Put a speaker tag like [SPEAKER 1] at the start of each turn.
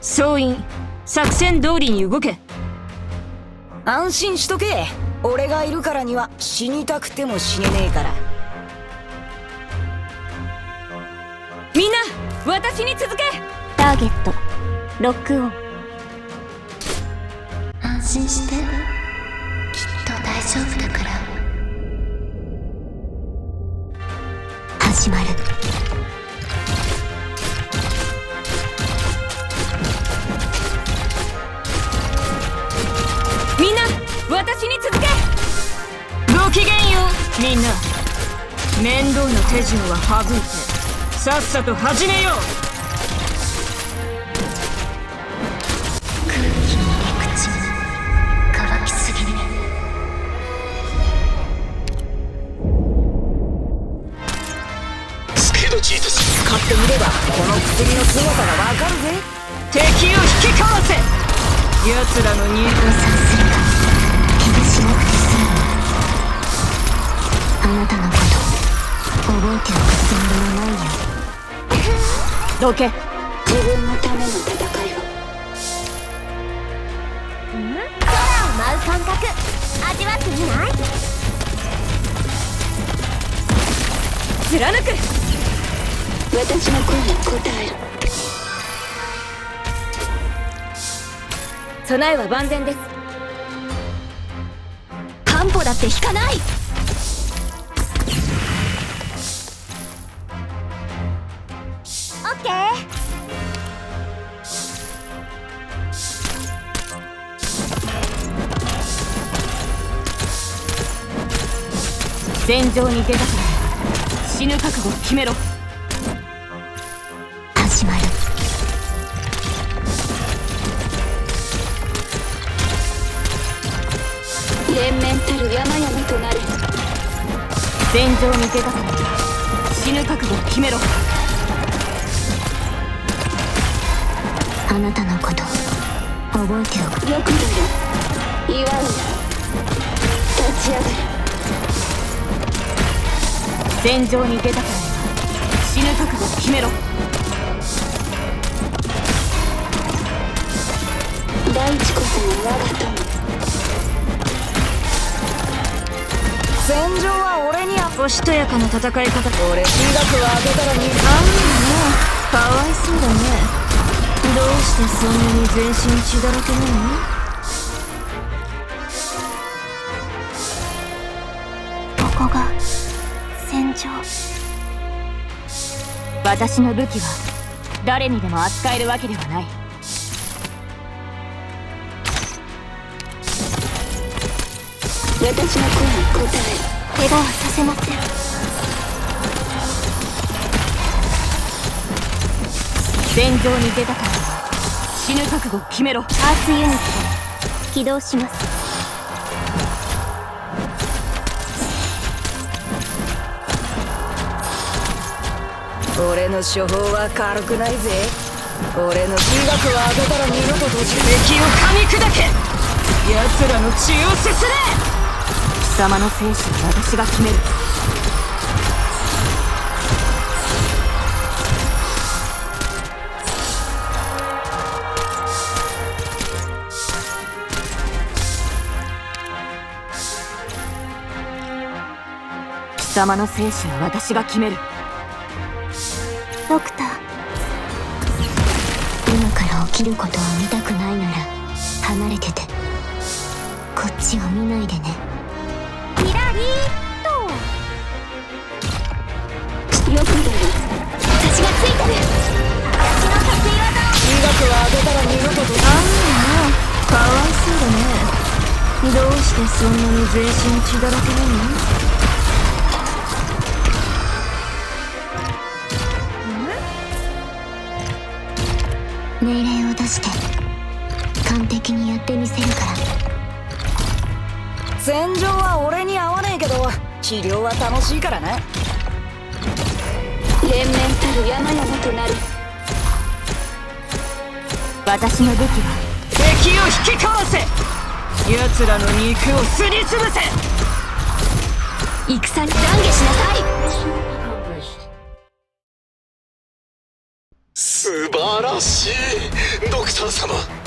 [SPEAKER 1] 総員、作戦通りに動け。
[SPEAKER 2] 安心しとけ。俺がいるからには死にたくても死ねねえから。
[SPEAKER 1] みんな私に続け。
[SPEAKER 3] ターゲットロックオン。安心して、きっと大丈夫だから。始まる。
[SPEAKER 1] みんな私に続け。ごきげんよう。みんな面倒な手順は省いてさっさと始めよう。
[SPEAKER 3] 空気に入れ口乾きすぎね。
[SPEAKER 4] スピードチートス。
[SPEAKER 2] 使ってみればこの薬の凄さがわかるぜ。
[SPEAKER 1] 敵を引きかわせ。奴らの入
[SPEAKER 3] 誤算するか怪我しなくて済む。あなたのこと覚えておくつもりもないよ。
[SPEAKER 1] どけ。
[SPEAKER 3] 自分のための戦いを。空を舞う感覚味わってみない？
[SPEAKER 1] 貫く。
[SPEAKER 3] 私の声に応える。
[SPEAKER 1] 備えは万全です。
[SPEAKER 3] 半歩だって引かない。オッケー。
[SPEAKER 1] 戦場に出たから死ぬ覚悟を決めろ。
[SPEAKER 3] 始まる。連綿たる山々となる。
[SPEAKER 1] 戦場に出たから死ぬ覚悟を決めろ。
[SPEAKER 3] あなたのこと覚えておく。よくだよ。祝うな。立ち上がる。
[SPEAKER 1] 戦場に出たから死ぬ覚悟を決めろ。
[SPEAKER 3] 大地こそが我が友。
[SPEAKER 2] 戦場は俺に
[SPEAKER 1] おしとやかな戦い方。
[SPEAKER 2] 俺医学を当てたらに
[SPEAKER 1] かわいそうだね。どうしてそんなに全身血だらけな
[SPEAKER 3] の？ここが戦場。
[SPEAKER 1] 私の武器は誰にでも扱えるわけではない。
[SPEAKER 3] 私の声に応える。怪我はさせません。
[SPEAKER 1] 戦場に出たから死ぬ覚悟を決めろ。
[SPEAKER 3] アースユニット起動します。
[SPEAKER 2] 俺の処方は軽くないぜ。俺の医学を当てたら二度と閉じる。
[SPEAKER 1] 敵を噛み砕け。奴らの血をすすれ。貴様の生死は私が決める。貴様の生死は私が決める。
[SPEAKER 3] ドクター、今から起きることを見たくないなら離れてて。こっちを見ないでね。キラリーっと。よくだよ。私がついてる。私の得意技を。
[SPEAKER 2] 医学を当てたら二度と閉じる。
[SPEAKER 1] かわいそうだね。どうしてそんなに全身血だらけなの？
[SPEAKER 3] 命令を出して完璧にやってみせるから。
[SPEAKER 2] 戦場は俺に合わねえけど治療は楽しいからな。
[SPEAKER 3] 連綿たる山々となる。
[SPEAKER 1] 私の武器は敵を引きかわせ。奴らの肉をすりつぶせ。戦に懺悔しなさい。
[SPEAKER 4] 素晴らしいドクター様。